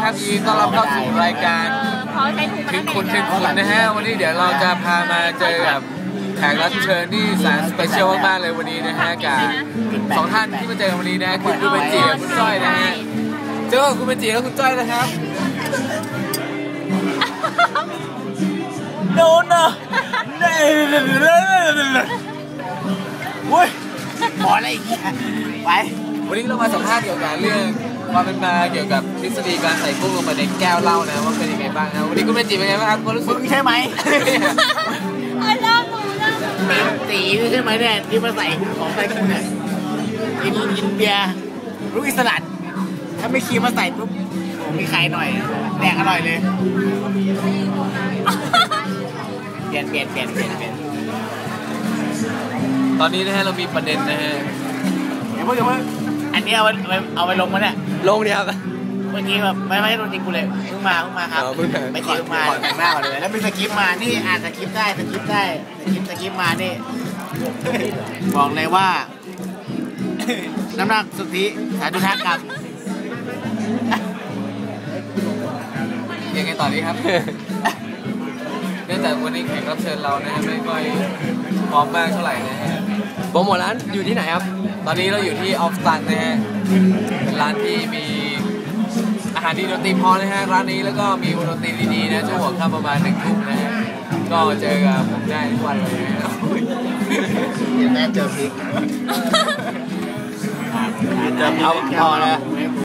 ครับยินดีต้อนรับเข้าสู่รายการถึงคุณนะฮะวันนี้เดี๋ยวเราจะพามาเจอกับแขกรับเชิญที่แสนสเปเชียลมากๆเลยวันนี้นะฮะกับสองท่านที่มาเจอวันนี้นะคุณเบนจิและคุณจ้อยนะฮะเจอคุณเบนจิและคุณจ้อยนะครับโดนนะเว้ยหมออะไรอีกไปวันนี้เรามาสัมภาษณ์เกี่ยวกับเรื่องความเป็นมาเกี่ยวกับทฤษฎีการใส่กุ้งลงไปในแก้วเหล้านะว่าเป็นยังไงบ้างนะวันนี้คุณเบนจิเป็นไงบ้างครับคุณรู้สึกใช่ไหมเล่าหนูตีใช่ไหมเนี่ยที่มาใส่ของใส่กุ้งเนี่ยกินเบียร์ลูกอิสระถ้าไม่คีมาใส่ปุ๊บมีไข่หน่อยแดกอร่อยเลยเปลี่ยนตอนนี้นะฮะเรามีประเด็นนะฮะเดี๋ยวเพิ่งอันนี้เอาไปลงมาเนี่ยลงเนี่ยครับเมื่อกี้แบบไม่โดนจริงกูเลยเพิ่งมาครับไม่จริงมาแต่งหน้าก่อนเลยแล้วมีสคริปต์มานี่อ่านสคริปต์ได้สคริปต์มานี่บอกเลยว่าน้ำหนักสุทธิ35 กรัมยังไงต่อดีครับเนื่องจากวันนี้แขกรับเชิญเรานะฮะไม่ค่อยพร้อมมากเท่าไหร่นะฮะโปรโมทร้านอยู่ที่ไหนครับตอนนี้เราอยู่ที่ออฟสตันนะฮะเป็นร้านที่มีอาหารดีดนตรีพอนะฮะร้านนี้แล้วก็มีดนตรีดีๆนะช่วงหัวค่ำประมาณ1 ทุ่มนะฮะก็เจอกับผมได้ทุกวันเลยนะเดี๋ยวแม่เจอพริกเอาพอแล้ว